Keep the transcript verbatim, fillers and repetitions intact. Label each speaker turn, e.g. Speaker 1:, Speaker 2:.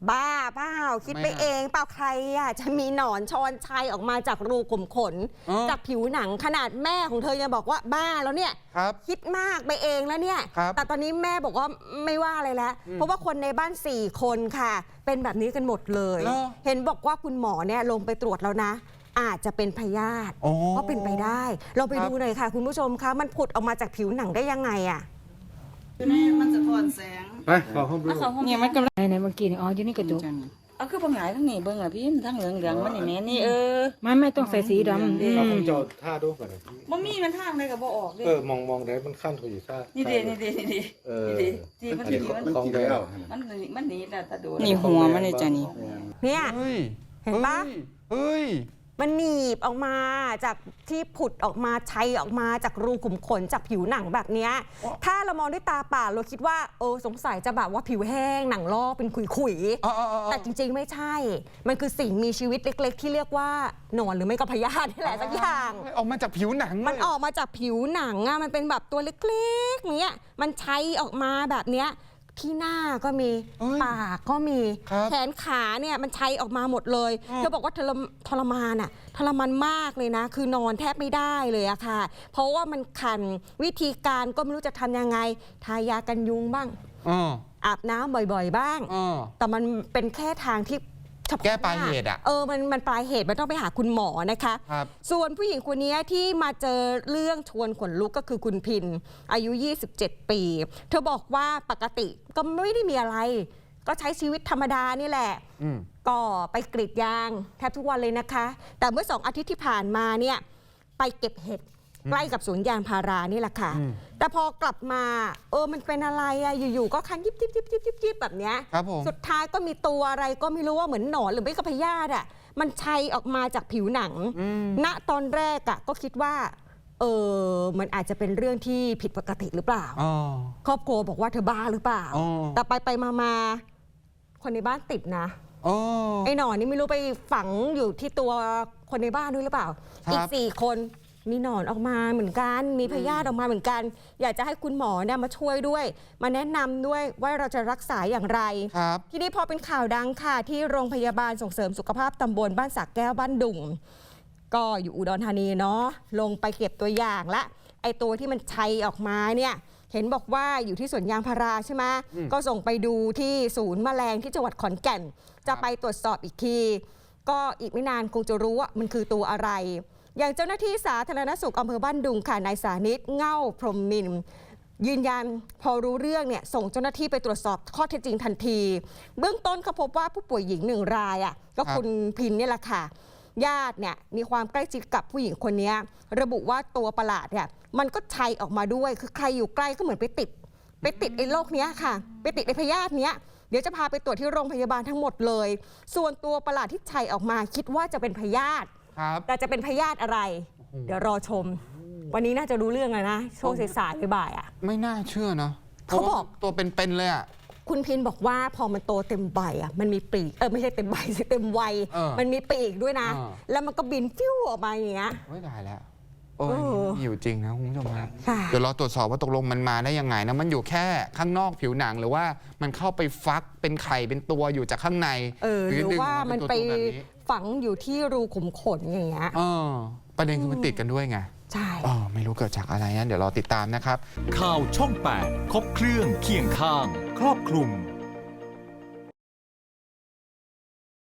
Speaker 1: บ้าเปล่าคิดไปเองเปล่าใครอ่ะจะมีหนอนชอนชัยออกมาจากรูขุมขนจากผิวหนังขนาดแม่ของเธอยังบอกว่าบ้าแล้วเนี่ยคิดมากไปเองแล้วเนี่ยแต่ตอนนี้แม่บอกว่าไม่ว่าอะไรแล้วเพราะว่าคนในบ้านสี่คนค่ะเป็นแบบนี้กันหมดเลยเห็นบอกว่าคุณหมอเนี่ยลงไปตรวจแล้วนะอาจจะเป็นพยาธิก็เป็นไปได้เราไปดูหน่อยค่ะคุณผู้ชมคะมันผุดออกมาจากผิวหนังได้ยังไงอ่ะ
Speaker 2: นี่มันจะถอนแสง
Speaker 3: ไปขอห้องดู
Speaker 4: เนี่ยมันกำลังในเมื่อกี้นี่อ๋ออยู่นี่กระจกเอาคือปัญหาทั้งนี้เบิ่งอ่ะพี่ทั้งเหลืองเหลืองมันนี่แม่นี่เออไม่ไม่ต้องใส่สีดำ
Speaker 3: เราคงจะท่าดูก่อน
Speaker 2: บ่มีมันทางได้กับบ่ออก
Speaker 3: เออมองมองได้มันขั้นเขาอยู่ท่า
Speaker 2: นี่ดีนี่ดีนี่ดีเออดีมันดีมัน
Speaker 3: คลองแล้ว
Speaker 2: มันมันหนีแต่ตะโด
Speaker 4: นี่หัวมันเลยจ้ะนี่
Speaker 1: เนี่ยเห็นปะ
Speaker 3: เฮ้ย
Speaker 1: มันหนีบออกมาจากที่ผุดออกมาชัยออกมาจากรูขุมขนจากผิวหนังแบบนี้ถ้าเรามองด้วยตาเปล่าเราคิดว่าเออสงสัยจะแบบว่าผิวแห้งหนังลอกเป็นขุยๆแต่จริงๆไม่ใช่มันคือสิ่งมีชีวิตเล็กๆที่เรียกว่าหนอนหรือไม่ก็พยาธินี่แหละสักอย่าง
Speaker 3: ออกมาจากผิวหนัง
Speaker 1: มันออกมาจากผิวหนังอ่ะมันเป็นแบบตัวเล็กๆเนี้ยมันชัยออกมาแบบเนี้ยที่หน้าก็มีปากก็มีแขนขาเนี่ยมันชัยออกมาหมดเลยเธอบอกว่าทรมานอ่ะทรมานมากเลยนะคือนอนแทบไม่ได้เลยอะค่ะเพราะว่ามันคันวิธีการก็ไม่รู้จะทำยังไงทายากันยุงบ้างอาบน้ำบ่อยๆบ้างแต่มันเป็นแค่ทางที่
Speaker 3: แก้ปลายเหตุอ่ะ
Speaker 1: เออมันมันปลายเหตุมันต้องไปหาคุณหมอนะคะส่วนผู้หญิงคนนี้ที่มาเจอเรื่องชวนขนลุกก็คือคุณพินอายุยี่สิบเจ็ดปีเธอบอกว่าปกติก็ไม่ได้มีอะไรก็ใช้ชีวิตธรรมดานี่แหละก็ไปกรีดยางแทบทุกวันเลยนะคะแต่เมื่อสองอาทิตย์ที่ผ่านมาเนี่ยไปเก็บเห็ดใกล้กับสวนยางพารานี่แหละค่ะแต่พอกลับมาเออมันเป็นอะไรอะอยู่ๆก็คันยิบยิบยิบยิบยิบยิบแบบเนี้ยสุดท้ายก็มีตัวอะไรก็ไม่รู้ว่าเหมือนหนอนหรือไม่ก็พยาธิอะมันชัยออกมาจากผิวหนังณตอนแรกอะก็คิดว่าเออมันอาจจะเป็นเรื่องที่ผิดปกติหรือเปล่าครอบครัวบอกว่าเธอบ้าหรือเปล่าแต่ไปไปมามาคนในบ้านติดนะไอ้หนอนนี่ไม่รู้ไปฝังอยู่ที่ตัวคนในบ้านด้วยหรือเปล่าอีกสี่คนมีหนอนออกมาเหมือนกันมีพยาธิออกมาเหมือนกันอยากจะให้คุณหมอเนี่ยมาช่วยด้วยมาแนะนำด้วยว่าเราจะรักษาอย่างไรทีนี้พอเป็นข่าวดังค่ะที่โรงพยาบาลส่งเสริมสุขภาพตำบลบ้านสักแก้วบ้านดุงก็อยู่อุดรธานีเนาะลงไปเก็บตัวอย่างละไอตัวที่มันชัยออกมาเนี่ยเห็นบอกว่าอยู่ที่สวนยางพาราใช่ไหมก็ส่งไปดูที่ศูนย์แมลงที่จังหวัดขอนแก่นจะไปตรวจสอบอีกทีก็อีกไม่นานคงจะรู้ว่ามันคือตัวอะไรอย่างเจ้าหน้าที่สาธารณสุขอำเภอบ้านดุงค่ะนายสานิตเง่าพรหมมินยืนยันพอรู้เรื่องเนี่ยส่งเจ้าหน้าที่ไปตรวจสอบข้อเท็จจริงทันทีเบื้องต้นเขาพบว่าผู้ป่วยหญิงหนึ่งรายอ่ะก็คุณพินนี่แหละค่ะญาติเนี่ยมีความใกล้ชิดกับผู้หญิงคนนี้ระบุว่าตัวประหลาดเนี่ยมันก็ชัยออกมาด้วยคือใครอยู่ใกล้ก็เหมือนไปติดไปติดไอ้โรคนี้ค่ะไปติดไอ้พยาธิเนี้ยเดี๋ยวจะพาไปตรวจที่โรงพยาบาลทั้งหมดเลยส่วนตัวประหลาดที่ชัยออกมาคิดว่าจะเป็นพยาธิแต่จะเป็นพยาธิอะไรเดี๋ยวรอชมวันนี้น่าจะรู้เรื่องแล้วนะช่วงสายๆบ่ายๆอ่ะ
Speaker 3: ไม่น่าเชื่อเนาะเขาบอกตัวเป็นๆเลยอ่ะ
Speaker 1: คุณพินบอกว่าพอมันโตเต็มใบอ่ะมันมีปีกเออไม่ใช่เต็มใบสิเต็มวัยมันมีปีกด้วยนะแล้วมันก็บินฟิวออกมาอย่างเงี้ย
Speaker 3: ไม่ได้แล้วโอ้ยอยู่จริงนะคุณผู้ชมครับเดี๋ยวรอตรวจสอบว่าตกลงมันมาได้ยังไงนะมันอยู่แค่ข้างนอกผิวหนังหรือว่ามันเข้าไปฟักเป็นไข่เป็นตัวอยู่จากข้างใน
Speaker 1: หรือว่ามันไปฝังอยู่ที่รูขุมขนอย่างเงี้ย
Speaker 3: ประเด็นคือมันติดกันด้วยไง
Speaker 1: ใช่
Speaker 3: ไม่รู้เกิดจากอะไรนะเดี๋ยวรอติดตามนะครับ
Speaker 5: ข่าวช่องแปดครบเครื่องเคียงข้างครอบคลุม